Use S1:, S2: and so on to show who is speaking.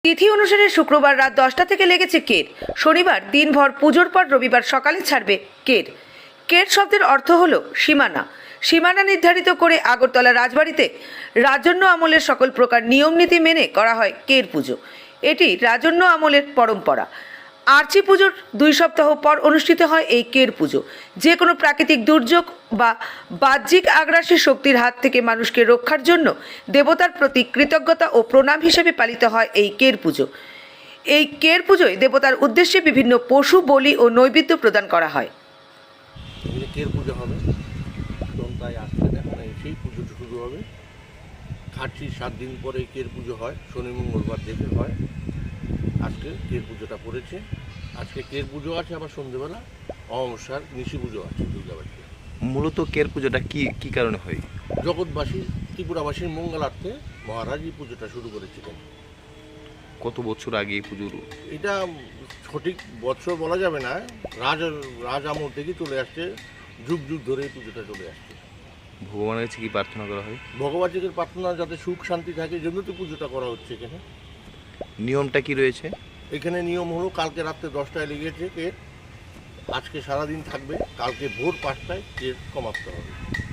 S1: তিথি অনুসারে শুক্রবার রাত 10টা থেকে লেগেছে কের। শনিবার দিনভর পুজোর পর রবিবার সকালে ছাড়বে কের। কের শব্দের অর্থ হলো সীমানা। সীমানা নির্ধারিত করে আগরতলা রাজবাড়িতে রাজন্য আমলের সকল প্রকার নিয়ম নীতি মেনে করা হয় কের পুজো। এটি রাজন্য আমলের পরম্পরা। আর্চি পুজোর 2 সপ্তাহ পর অনুষ্ঠিত হয় এই কের পুজো। যে কোনো প্রাকৃতিক দুর্যোগ বা বাহ্যিক আগ্রাসী শক্তির হাত থেকে মানুষকে রক্ষার জন্য দেবতার প্রতি কৃতজ্ঞতা ও প্রণাম হিসেবে পালিত হয় এই কের পুজো। এই কের পুজোয় দেবতার উদ্দেশ্যে বিভিন্ন পশু বলি ও নৈবেদ্য প্রদান করা হয়।
S2: কের পুজো হবে, তাই আসতে এখন সেই পুজো শুরু হবে। খাটছি 7 দিন পরে কের পুজো হয়, শনি মঙ্গলবার দেখে হয়। আজকে কের পুজোটা পড়েছে। আজকে কের পুজো আছে, আবার সন্ধ্যেবেলা অমাবস্যার নিশি পুজো আছে দুর্গাবাড়িতে।
S3: মূলত কের পুজোটা কি কারণে হয়?
S2: জগৎবাসী ত্রিপুরাবাসীর মঙ্গলার্থে মহারাজ এই পুজোটা শুরু করেছিলেন।
S3: কত বছর আগে এই পুজোর?
S2: এটা সঠিক বছর বলা যাবে না, রাজ আমল থেকে চলে আসছে, যুগ যুগ ধরে এই পুজোটা চলে আসছে।
S3: ভগবানের কাছে কি প্রার্থনা করা হয়?
S2: ভগবানের প্রার্থনা যাতে সুখ শান্তি থাকে, জন্য তো পুজোটা করা হচ্ছে এখানে।
S3: নিয়মটা কি রয়েছে
S2: এখানে? নিয়ম হলো কালকে রাত্রে 10টায় লেগেছে কের, আজকে সারাদিন থাকবে, কালকে ভোর 5টায় কের সমাপ্ত হবে।